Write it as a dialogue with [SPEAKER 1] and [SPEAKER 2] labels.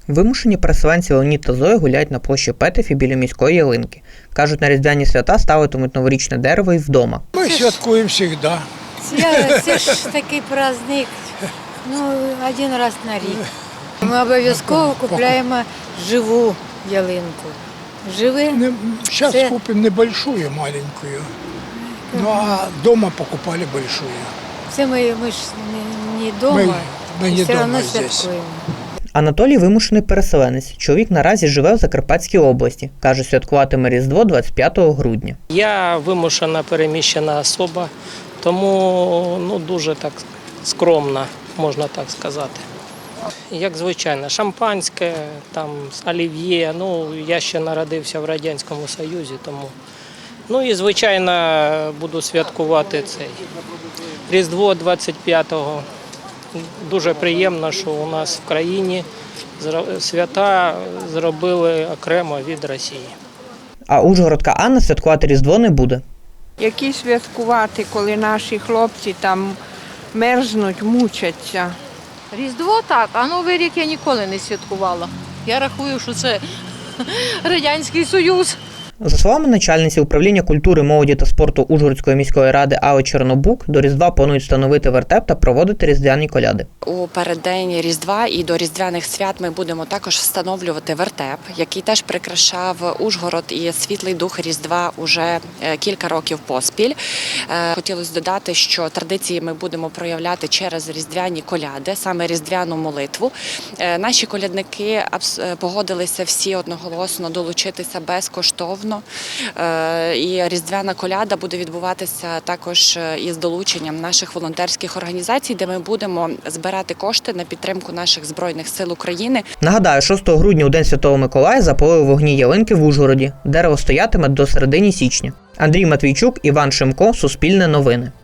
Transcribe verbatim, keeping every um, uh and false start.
[SPEAKER 1] Вимушені переселенці Леонід та Зоя гуляють на площі Петефі біля міської ялинки. Кажуть, на різдвяні свята ставитимуть новорічне дерево і вдома.
[SPEAKER 2] Ми святкуємо завжди.
[SPEAKER 3] Це, це ж такий праздник, ну, один раз на рік. Ми обов'язково купуємо живу ялинку. Живе.
[SPEAKER 2] Зараз
[SPEAKER 3] це...
[SPEAKER 2] купимо небольшую, маленькую. Ну, а вдома покупали большую.
[SPEAKER 3] Це ми, ми ж не, не дома,
[SPEAKER 2] ми, ми не
[SPEAKER 3] все
[SPEAKER 2] дома
[SPEAKER 3] одно
[SPEAKER 2] здесь.
[SPEAKER 3] святкуємо.
[SPEAKER 1] Анатолій – вимушений переселенець. Чоловік наразі живе в Закарпатській області. Каже, святкуватиме Різдво двадцять п'ятого грудня.
[SPEAKER 4] Я вимушена переміщена особа, тому ну, дуже так скромно, можна так сказати. Як звичайно, шампанське, там, олів'є, ну, я ще народився в Радянському Союзі, тому. Ну і, звичайно, буду святкувати цей Різдво двадцять п'ятого. Дуже приємно, що у нас в країні свята зробили окремо від Росії.
[SPEAKER 1] А ужгородка Анна святкувати Різдво не буде.
[SPEAKER 5] Які святкувати, коли наші хлопці там мерзнуть, мучаться?
[SPEAKER 6] Різдво так, а Новий рік я ніколи не святкувала. Я рахую, що це Радянський Союз.
[SPEAKER 1] За словами начальниці управління культури, молоді та спорту Ужгородської міської ради Алли Чорнобук, до Різдва планують встановити вертеп та проводити різдвяні коляди.
[SPEAKER 7] У переддень Різдва і до різдвяних свят ми будемо також встановлювати вертеп, який теж прикрашав Ужгород і світлий дух Різдва уже кілька років поспіль. Хотілося додати, що традиції ми будемо проявляти через різдвяні коляди, саме різдвяну молитву. Наші колядники погодилися всі одноголосно долучитися безкоштовно. І різдвяна коляда буде відбуватися також із долученням наших волонтерських організацій, де ми будемо збирати кошти на підтримку наших Збройних сил України.
[SPEAKER 1] Нагадаю, шостого грудня у День Святого Миколая запалили вогні ялинки в Ужгороді. Дерево стоятиме до середини січня. Андрій Матвійчук, Іван Шимко, Суспільне новини.